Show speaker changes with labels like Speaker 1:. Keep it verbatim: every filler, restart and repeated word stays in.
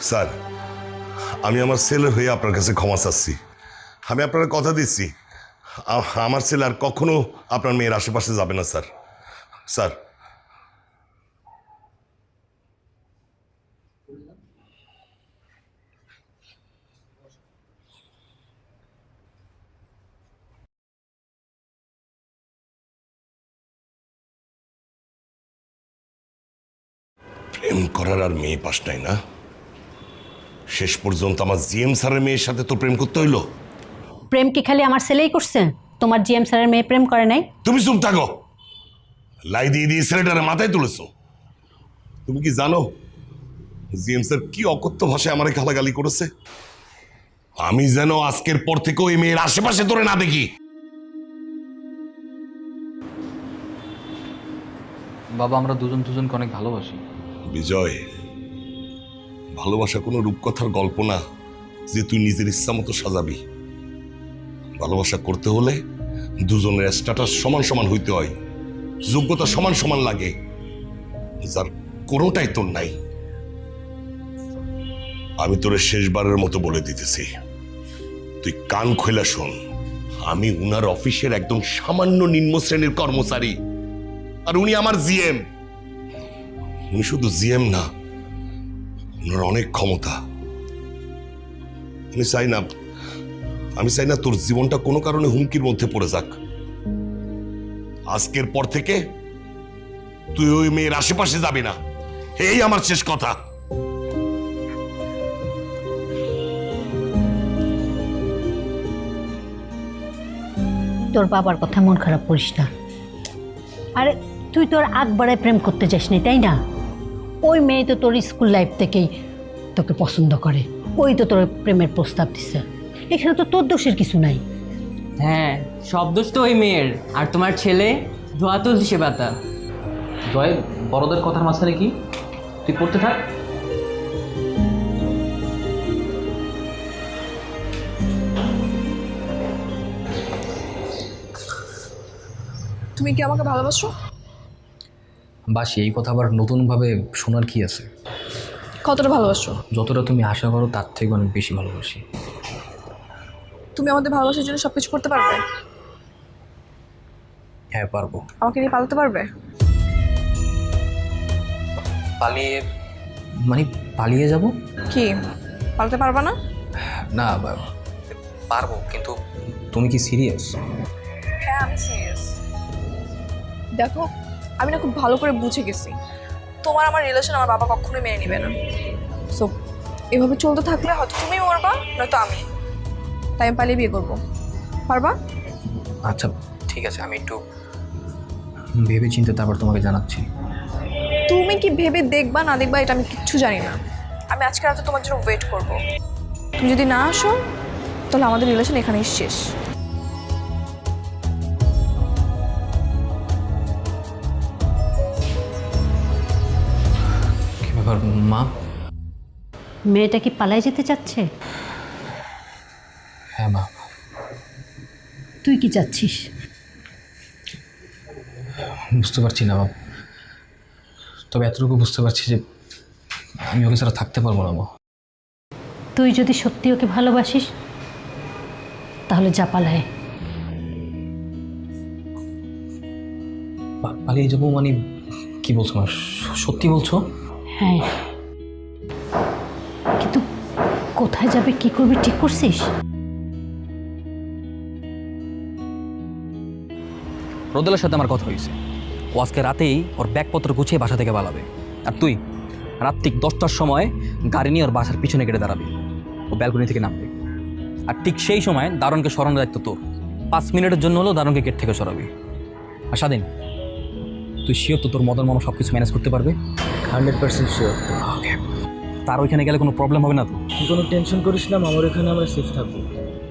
Speaker 1: Sir, আমি আমার ছেলের হয়ে আপনার কাছে ক্ষমা চাচ্ছি। আমি আপনার কথা দিচ্ছি, আমার ছেলে আর কখনো আপনার মেয়ের আশেপাশে যাবে না স্যার। স্যার, প্রেম করার আর মেয়ে পাস নাই না? শেষ পর্যন্ত আমার জিএম স্যারের মেয়ের সাথে তো প্রেম করতে হইলো।
Speaker 2: প্রেম কি খালি আমার ছেলেই করছে? তোমার জিএম স্যারের মেয়ে প্রেম করে নাই?
Speaker 1: তুমি চুপ থাকো। লাই দিয়ে দিয়ে ছেলেটারে মাথায় তুলেছো। তুমি কি জানো জিএম স্যার কি অকথ্য ভাষায় আমারে গালাগালি করেছে? আমি যেন আজকের পর থেকে ওই মেয়ের আশেপাশে তোরে না দেখি।
Speaker 3: বাবা, আমরা দুজন দুজনকে অনেক ভালোবাসি।
Speaker 1: বিজয়, ভালোবাসা কোনো রূপকথার গল্প না যে তুই নিজের ইচ্ছা মতো সাজাবি। ভালোবাসা করতে হলে দুজনের স্ট্যাটাস সমান সমান হইতে হয়, যোগ্যতা সমান সমান লাগে, যার কোনোটাই তোর নাই। আমি তোরে শেষবারের মতো বলে দিতেছি, তুই কান খোলা শোন। আমি উনার অফিসের একদম সামান্য নিম্ন শ্রেণীর কর্মচারী, আর উনি আমার জিএম। উনি শুধু জিএম না, ওনার অনেক ক্ষমতা। আমি চাই না আমি চাই না তোর জীবনটা কোনো কারণে হুমকির মধ্যে পড়ে যাক। আজকের পর থেকে তুই ওই মেয়ের আশেপাশে যাবি না, এই আমার শেষ কথা।
Speaker 2: তোর বাবার কথা মন খারাপ করিস না। আরে তুই তোর আগ বাড়ায় প্রেম করতে যাস নি, তাই না? ওই মেয়ে তো তোর স্কুল লাইফ থেকেই তোকে পছন্দ করে, ওই তো তোর প্রেমের প্রস্তাব দিচ্ছে। এখানে তো তোর দোষের কিছু নাই।
Speaker 4: হ্যাঁ, সব দোষ তো ওই মেয়ের। আর তোমার ছেলে ধোয়া তুলছে পাতা।
Speaker 3: জয়, বড়দের কথার মাঝখানে কি? তুই পড়তে থাক।
Speaker 5: তুমি কি আমাকে ভালোবাসো?
Speaker 6: বাসি, এই কথা আবার নতুনভাবে শোনার কি আছে?
Speaker 5: কতটা ভালোবাসো?
Speaker 6: যতটা তুমি আশা করো তার থেকে অনেক বেশি ভালোবাসি।
Speaker 5: তুমি আমাদের ভালোবাসার জন্য সবকিছু করতে পারবে?
Speaker 6: হ্যাঁ, পারবো।
Speaker 5: আমাকে নিয়ে পালাতে পারবে?
Speaker 6: পালিয়ে মানে পালিয়ে যাব?
Speaker 5: কি পালাতে পারবা না?
Speaker 6: না, বা- পারবো, কিন্তু তুমি কি সিরিয়াস?
Speaker 5: হ্যাঁ, আমি সিরিয়াস। দেখো, আমি না খুব ভালো করে বুঝে গেছি তোমার আমার রিলেশন আমার বাবা কখনোই মেনে নেবে না। সো এভাবে চলতে থাকলে হয়তো তুমি মরবা, নয়তো আমি। তাই আমি পালিয়ে বিয়ে করবো। পারবা?
Speaker 6: আচ্ছা ঠিক আছে, আমি একটু ভেবে চিন্তে তারপর তোমাকে জানাচ্ছি।
Speaker 5: তুমি কি ভেবে দেখবা না দেখবা এটা আমি কিচ্ছু জানি না। আমি আজকে রাতে তোমার জন্য ওয়েট করবো। তুমি যদি না আসো তাহলে আমাদের রিলেশন এখানেই শেষ।
Speaker 6: কি ব্যাপার মা?
Speaker 2: মেয়েটা কি পালায় যেতে চাচ্ছে?
Speaker 6: হ্যাঁ মা।
Speaker 2: তুই কি চাচ্ছিস?
Speaker 6: বুঝতে পারছি না বাবা, তবে এতটুকু বুঝতে পারছি যে আমি ওকে ছাড়া থাকতে পারবো না মা।
Speaker 2: তুই যদি সত্যি ওকে ভালোবাসিস তাহলে যা পালায়।
Speaker 6: পা- পালিয়ে যাবো মানে কি বলছো মা? সত্যি বলছো?
Speaker 2: হ্যাঁ, কিন্তু কোথায় যাবে কি করবি ঠিক করছিস?
Speaker 7: রোদেলার সাথে আমার কথা হয়েছে, ও আজকে রাতেই ওর ব্যাগপত্র গুছিয়ে বাসা থেকে পালাবে। আর তুই রাত ঠিক দশটার সময় গাড়ি নিয়ে ওর বাসার পিছনে কেটে দাঁড়াবি। ও ব্যালকনি থেকে নামবে, আর ঠিক সেই সময় দারুণকে সরানোর দায়িত্ব তোর। পাঁচ মিনিটের জন্য হলেও দারুণকে গেট থেকে সরাবি। আর স্বাধীন, তুই শিওর তো তোর মদন মামা সব কিছু ম্যানেজ করতে পারবে?
Speaker 8: Hundred percent sure.
Speaker 7: তার ওইখানে গেলে কোনো প্রবলেম হবে না তো?
Speaker 8: তুই কোনো টেনশন করিস না, আমার এখানে আমরা সেফ থাকবো।